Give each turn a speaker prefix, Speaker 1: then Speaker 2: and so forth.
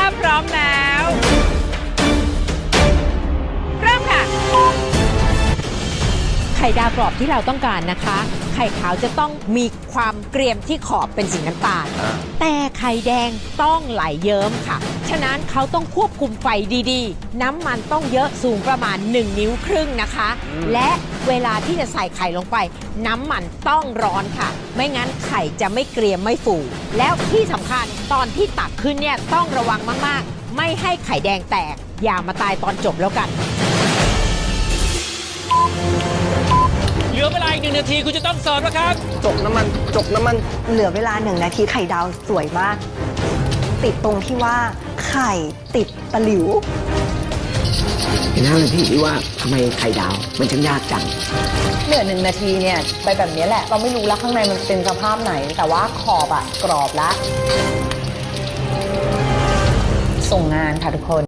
Speaker 1: พร้อมแล้วเริ่มค่ะไข่ดาวกรอบที่เราต้องการนะคะไข่ขาวจะต้องมีความเกรียมที่ขอบเป็นสีน้ำตาลแต่ไข่แดงต้องไหลเยิ้มค่ะฉะนั้นเขาต้องควบคุมไฟดีๆน้ำมันต้องเยอะสูงประมาณ1 นิ้วครึ่งนะคะและเวลาที่จะใส่ไข่ลงไปน้ำมันต้องร้อนค่ะไม่งั้นไข่จะไม่เกรียมไม่ฟูแล้วที่สำคัญตอนที่ตักขึ้นเนี่ยต้องระวังมากๆไม่ให้ไข่แดงแตกอย่ามาตายตอนจบแล้วกัน
Speaker 2: เหลือเวลาอีก1 นาทีคุณจะต้องเสิร์ฟแล้วครับ
Speaker 3: จกน้ำมัน
Speaker 4: เหลือเวลา1 นาทีไข่ดาวสวยมากติดตรงที่ว่าไข่ติดตะหลิว
Speaker 3: เห็นหน้าเลยพี่ว่าทำไมไข่ดาวมันช่างยากจัง
Speaker 4: เหลือ1 นาทีเนี่ยไปแบบนี้แหละเราไม่รู้แล้วข้างในมันเป็นสภาพไหนแต่ว่าขอบอะกรอบแล้วส่งงานค่ะทุกคน